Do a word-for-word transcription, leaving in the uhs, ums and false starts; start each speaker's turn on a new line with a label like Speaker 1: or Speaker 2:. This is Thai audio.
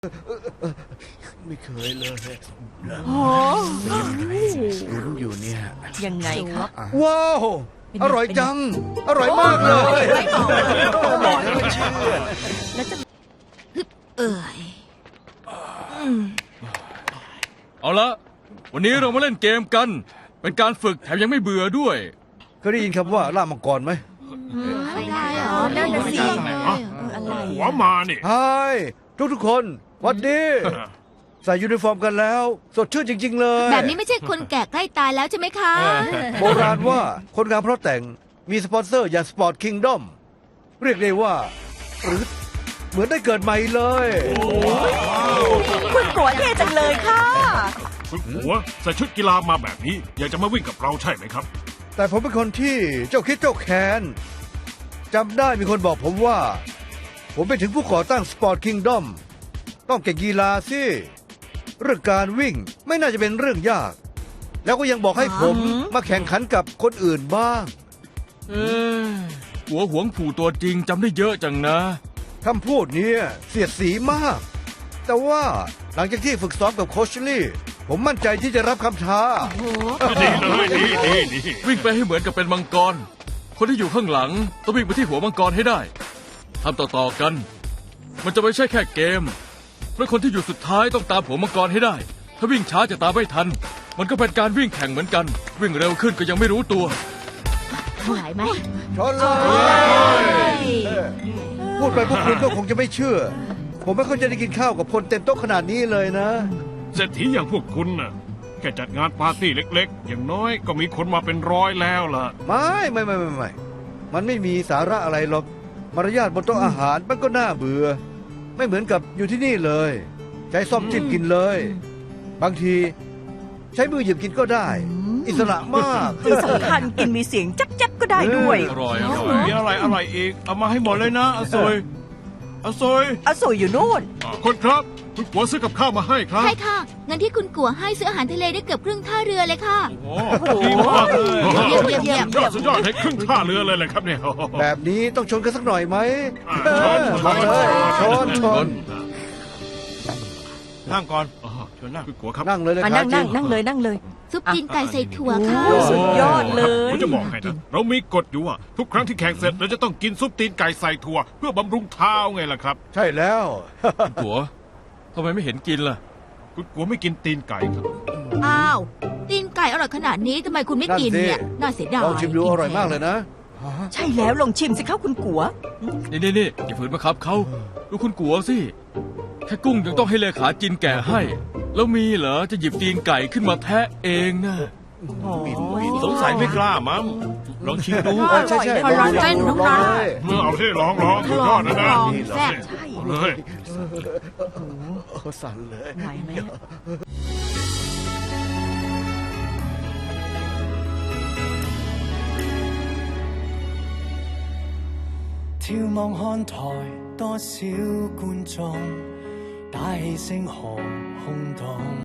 Speaker 1: ไม่เคยเลย
Speaker 2: โอ้
Speaker 1: ลุ้นอยู่เนี่ย
Speaker 2: ยังไงครับ
Speaker 1: ว้าว อร่อยจัง อร่อยมากเลย
Speaker 2: บอกแล้วว่าเชื่อแล้วจะเอ่ย
Speaker 3: เอาละวันนี้เรามาเล่นเกมกัน เป็นการฝึกแถมยังไม่เบื่อด้วย
Speaker 1: เคยได้ยินคำว่าล่ามังกรไหม
Speaker 2: อะไรเหรอนั่นน่ะสิอะไร
Speaker 4: หัวมานี่
Speaker 1: ฮายทุกทุกๆคนหวัดดีใส่ยูนิฟอร์มกันแล้ว สดชื่นจริง ๆ เลย
Speaker 5: แบบนี้ไม่ใช่คนแก่ใกล้ตายแล้วใช่ไหมคะ
Speaker 1: โบราณว่าคนงามเพราะแต่งมีสปอนเซอร์อย่างสปอร์ตคิงดอมเรียกได้ว่าหรือเหมือนได้เกิดใหม่เลย
Speaker 2: คุณกัวเท่จังเลยค่ะ
Speaker 4: คุณหัวใส่ชุดกีฬามาแบบนี้ อยากจะมาวิ่งกับเราใช่ไหมครับ
Speaker 1: แต่ผมเป็นคนที่เจ้าคิดเจ้าแค้นจำได้มีคนบอกผมว่า ผมเป็นถึงผู้ก่อตั้งสปอร์ตคิงดอมต้องเก่งกีฬาสิเรื่องการวิ่งไม่น่าจะเป็นเรื่องยาก แล้วก็ยังบอกให้ผมมาแข่งขันกับคนอื่นบ้าง
Speaker 3: เอ้ยหัวหวงผู่ตัวจริงจำได้เยอะจังนะ
Speaker 1: คำพูดเนี้เสียดสีมาก แต่ว่าหลังจากที่ฝึกซ้อมกับโคชลี่ ผมมั่นใจที่จะรับคำท้า
Speaker 4: ดีเลยดีดีดี
Speaker 3: วิ่งไปให้เหมือนกับเป็นมังกร คนที่อยู่ข้างหลังต้องวิ่งไปที่หัวมังกรให้ได้ทำต่อๆกัน มันจะไม่ใช่แค่เกมเพราะคนที่อยู่สุดท้ายต้องตามหัวมังกรให้ได้ ถ้าวิ่งช้าจะตามไม่ทัน มันก็เป็นการวิ่งแข่งเหมือนกัน วิ่งเร็วขึ้นก็ยังไม่รู้ตัว
Speaker 5: ไหวไหม
Speaker 1: ชนเลย พูดไปพวกคุณก็คงจะไม่เชื่อ ผมไม่ค่อยจะได้กินข้าวกับคนเต็มโต๊ะขนาดนี้เลยนะ
Speaker 4: เศรษฐีอย่างพวกคุณน่ะแค่จัดงานปาร์ตี้เล็กๆ อย่างน้อยก็มีคนมาเป็นร้อยแล้วล่ะ
Speaker 1: ไม่ไม่ไม่ไม่ไม่มันไม่มีสาระอะไรหรอก มารยาทบนโต๊ะอาหารมันก็น่าเบื่อ ไม่เหมือนกับอยู่ที่นี่เลย ใช้ซ่อมจิ้มกินเลย บางทีใช้มือหยิบกินก็ได้ อิสระมาก
Speaker 2: ที่สำคัญกินมีเสียงจับจับก็ได้ด้วย
Speaker 3: อร่อยอร่อย
Speaker 4: มีอะไรอะไรอีก เอามาให้หมดเลยนะอาซอยอาซอย
Speaker 2: อสวยอยู่นู่น
Speaker 4: คนครับคุณหัวซื้อกับข้าวมาให้ครับ
Speaker 5: ใช่ค่ะเงินที่คุณกัวให้ซื้ออาหารทะเลได้เกือบครึ่งท่าเรือเลยค่ะ
Speaker 4: โอ้ดีมากเลย
Speaker 5: เยี่ยมเยี่ยมเยี่ยม
Speaker 4: ยอดสุดยอดให้ครึ่งท่าเรือเลยแหละครับเนี่ย
Speaker 1: แบบนี้ต้องชนกันสักหน่อยไหม
Speaker 4: อ่า
Speaker 1: เออ
Speaker 4: ชน
Speaker 1: มาเลยชนชน
Speaker 4: นั่งก่อนเชิญนั่งคุณหัวครับ
Speaker 1: นั่งเลยเลย
Speaker 2: มา
Speaker 1: ครั
Speaker 2: นั่
Speaker 1: บ
Speaker 2: งนั่งนั่งเลยนั่งเลย
Speaker 5: ซุปตีนไก่ใส่ถั่วค่ะ
Speaker 2: โอ้สุดยอดเลย
Speaker 4: ผมจะบอกให้นะเรามีกฎอยู่ว่าทุกครั้งที่แข่งเสร็จเราจะต้องกินซุปตีนไก่ใส่ถั่วเพื่อบำรุงเท้าไงล่ะครับ
Speaker 1: ใช่แล้ว
Speaker 3: หัวทำไมไม่เห็นกินล่ะ
Speaker 4: คุณกัวไม่กินตีนไก่ครับ
Speaker 5: อ้าว ตีนไก่อร่อยขนาดนี้ทำไมคุณไม่กินเนี่ย น่าเสียดาย
Speaker 1: ลองชิมดูอร่อยมากเลยนะ
Speaker 2: ใช่แล้วลองชิมสิครับคุณกัว
Speaker 3: นี่นี่นี่อย่าฝืนมาครับเขาดูคุณกัวสิ แค่กุ้งยังต้องให้เลขาจินแก่ให้ แล้วมีเหรอจะหยิบตีนไก่ขึ้นมาแทะเองนะ
Speaker 4: สงสัยไม่กล้ามั้งลองชิมดู
Speaker 1: ใช่ใช่
Speaker 5: อร่อยเต้นน้อง
Speaker 1: ล
Speaker 5: รั
Speaker 1: อง
Speaker 5: ก
Speaker 1: เลย
Speaker 4: เมื่อเอาที่ลองลองสุดยอดนะนะ
Speaker 5: ลองแซ่บ
Speaker 4: เอาเลย
Speaker 1: โอ้สั่นเลย
Speaker 2: ไหวไหม
Speaker 6: 眺望看台，多少觀眾，打氣聲何空洞。